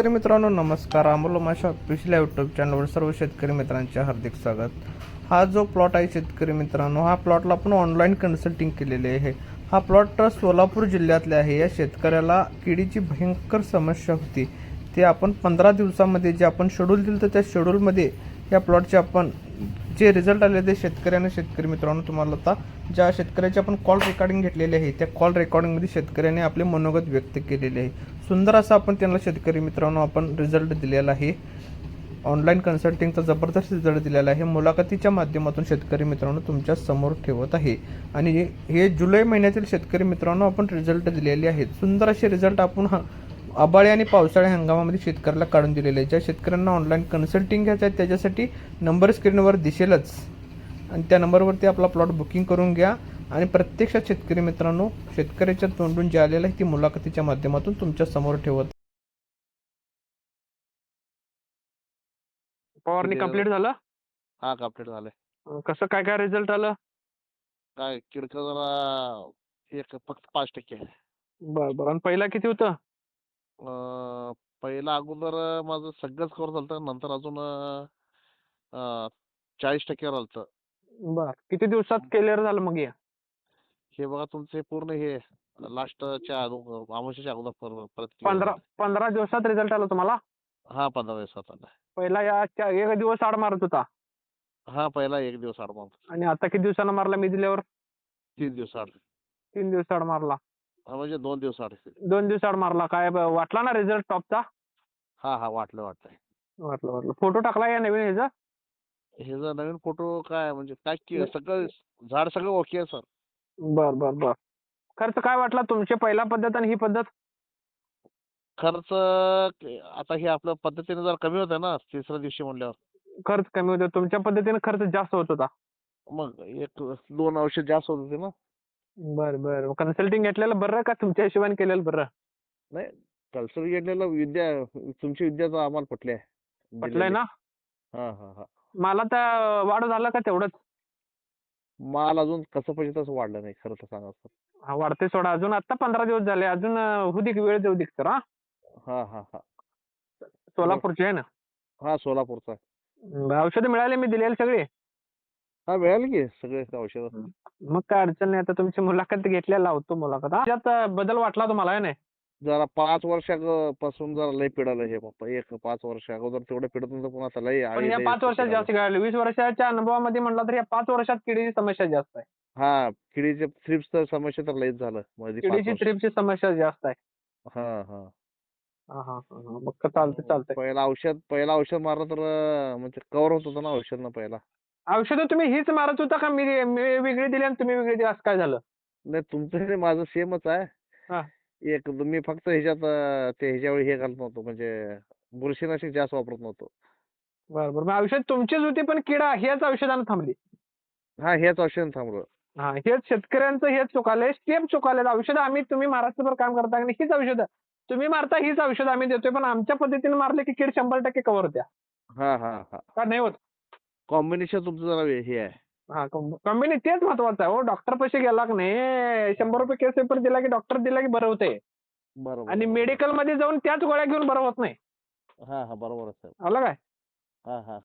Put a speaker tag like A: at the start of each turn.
A: शेतकरी मित्रांनो नमस्कार. अमोल माशा ऑफिशियल यूट्यूब चॅनलवर सर्व शेतकरी मित्रांचे हार्दिक स्वागत. हा जो प्लॉट आहे शेतकरी मित्रांनो, हा प्लॉटला आपण ऑनलाईन कन्सल्टिंग केलेली आहे. हा प्लॉट सोलापूर जिल्ह्यातले आहे. या शेतकऱ्याला किडीची भयंकर समस्या होती. ते आपण 15 दिवसामध्ये जे आपण शेड्यूल दिलं तर त्या शेड्यूलमध्ये या प्लॉटचे आपण जे रिझल्ट आले ते शेतकरी मित्रांनो तुम्हाला आता ज्या शेतकऱ्याचे आपण कॉल रेकॉर्डिंग घेतलेले आहे त्या कॉल रेकॉर्डिंगमध्ये शेतकऱ्याने आपले मनोगत व्यक्त केलेले आहे. सुंदर असा आपण त्यांना शेतकरी मित्रांनो आपण रिझल्ट दिलेला आहे. ऑनलाईन कन्सल्टिंगचा जबरदस्त रिझल्ट दिलेला आहे. मुलाखतीच्या माध्यमातून शेतकरी मित्रांनो तुमच्या समोर ठेवत आहे. आणि हे जुलै महिन्यातील शेतकरी मित्रांनो आपण रिझल्ट दिलेले आहेत. सुंदर असे रिझल्ट आपण आभाळी आणि पावसाळी हंगामामध्ये शेतकऱ्याला काढून दिलेले आहे. ज्या शेतकऱ्यांना ऑनलाईन कन्सल्टिंग घ्यायचं आहे त्याच्यासाठी नंबर स्क्रीनवर दिसेलच आणि त्या नंबरवरती आपला प्लॉट बुकिंग करून घ्या. आणि प्रत्यक्षात शेतकरी मित्रांनो शेतकऱ्याच्या तोंडून जे आलेलं आहे ती मुलाखतीच्या माध्यमातून तुमच्या समोर ठेवत.
B: फवारणी कंप्लीट झालं.
C: हा कंप्लीट झालंय.
B: कसं काय काय रिझल्ट आलं?
C: काय किडकं जरा एक फक्त 5% आहे.
B: बरं बरं. आणि पहिला किती होतं?
C: पहिला अगोदर माझं सगळंच कव्हर झालं, नंतर अजून 40% राहिलं.
B: बरं. किती दिवसात क्लिअर झालं मग
C: हे बघा तुमचे पूर्ण हे लास्टच्या अमावस्येच्या अगोदर परत clear
B: 15
C: झालं.
B: 15 दिवसात रिझल्ट आला तुम्हाला?
C: हा 15 दिवसात आला.
B: पहिला एक दिवस आड मारत होता
C: हा पहिला 1 दिवस आड मारतो.
B: आणि आता किती दिवसानं मारला मी दिल्यावर?
C: 3 दिवस आड.
B: 3 दिवस आड मारला.
C: म्हणजे 2 दिवस आड.
B: 2 दिवस आड मारला. काय वाटला ना रिझल्ट टॉपचा?
C: हा वाटलंय.
B: वाटलं. फोटो टाकला या नवीन ह्याचा?
C: हे जर नवीन फोटो काय म्हणजे काय सगळं झाड सगळं ओके आहे सर.
B: बर. खर्च काय वाटला तुमची पहिला पद्धत आणि ही पद्धत?
C: खर्च आता हे आपल्या पद्धतीने जरा कमी होतं ना तिसऱ्या दिवशी म्हणल्यावर.
B: खर्च कमी होता. तुमच्या पद्धतीने खर्च जास्त होत होता.
C: मग 1-2 औषध जास्त होत होते ना.
B: बरं. कन्सल्टिंग घेतलेलं बरं का तुमच्या हिशोबाने केलेलं बरं?
C: नाही कल्चर घेतलेलं तुमची विद्या तर आम्हाला पटली आहे.
B: पटलंय ना?
C: हा.
B: मला तर वाढ झालं का तेवढंच?
C: माल अजून कसं पाहिजे तसं वाढलं नाही खरं तर सांगा सर.
B: हा, वाढते सोडा. अजून आता 15 दिवस झाले. अजून होऊ दे की वेळ देऊ दे सर.
C: हा.
B: सोलापूरचे आहे ना?
C: हा सोलापूरचा.
B: औषधं मिळाले मी दिलेली सगळी?
C: हा मिळाली की सगळे औषध.
B: मग काय अडचण नाही. आता तुमची मुलाखत घेतल्या लावतो मुलाखत. त्यात बदल वाटला तुम्हाला आहे ना?
C: जरा 5 वर्षापासून जरा लय पिडालं हे बाप्पा. 5 वर्ष अगोदर तेवढं पिडत नव्हतं पण आता लय
B: पण या 5 वर्षात जास्त घडलं. 20 वर्षाच्या अनुभवामध्ये म्हणलं तर या 5 वर्षात किडीची समस्या जास्त आहे.
C: हा किडीचे थ्रिप्स समस्या तर लयच झालं मध्ये 5
B: किडीची
C: वर्ष.
B: थ्रिप्सची समस्या जास्त आहे.
C: हा.
B: हा. मग चालतंय.
C: पहिला औषध मारलं तर म्हणजे कव्हर होत होतं ना औषध पहिला.
B: औषधं तुम्ही हीच मारत होता का मी वेगळी दिली आणि तुम्ही वेगळी दिली असं काय झालं?
C: नाही तुमचं आणि माझं सेमच आहे.
B: हा.
C: मी फक्त ह्याच्यात ह्याच्यावर हे घालत नव्हतो म्हणजे बुरशीनाशक जास्त वापरत नव्हतो.
B: बरं. मग औषध तुमचीच होती पण किडा ह्याच औषधानं थांबली.
C: हा हेच औषध थांबलं.
B: हा, हेच शेतकऱ्यांचं हेच चुकालंय. स्टेप चुकाले. औषधं तुम्ही महाराष्ट्रभर काम करता आणि हीच औषधं तुम्ही मारता, हीच औषधं आम्ही देतोय पण आमच्या पद्धतीने मारले की कीड 100% कव्हर होत्या.
C: हा.
B: का नाही होत?
C: कॉम्बिनेशन तुमचं जरा हे आहे.
B: हा, कंपनी तेच महत्वाचं आहे. हो, डॉक्टर पैसे गेला की नाही 100 रुपये केस पेपर दिला की डॉक्टर दिला की बरं होतंय.
C: बरोबर.
B: आणि मेडिकल मध्ये जाऊन त्याच गोळ्या घेऊन बरं होत नाही.
C: हा बरोबर आहे.
B: आलं काय?
C: हा.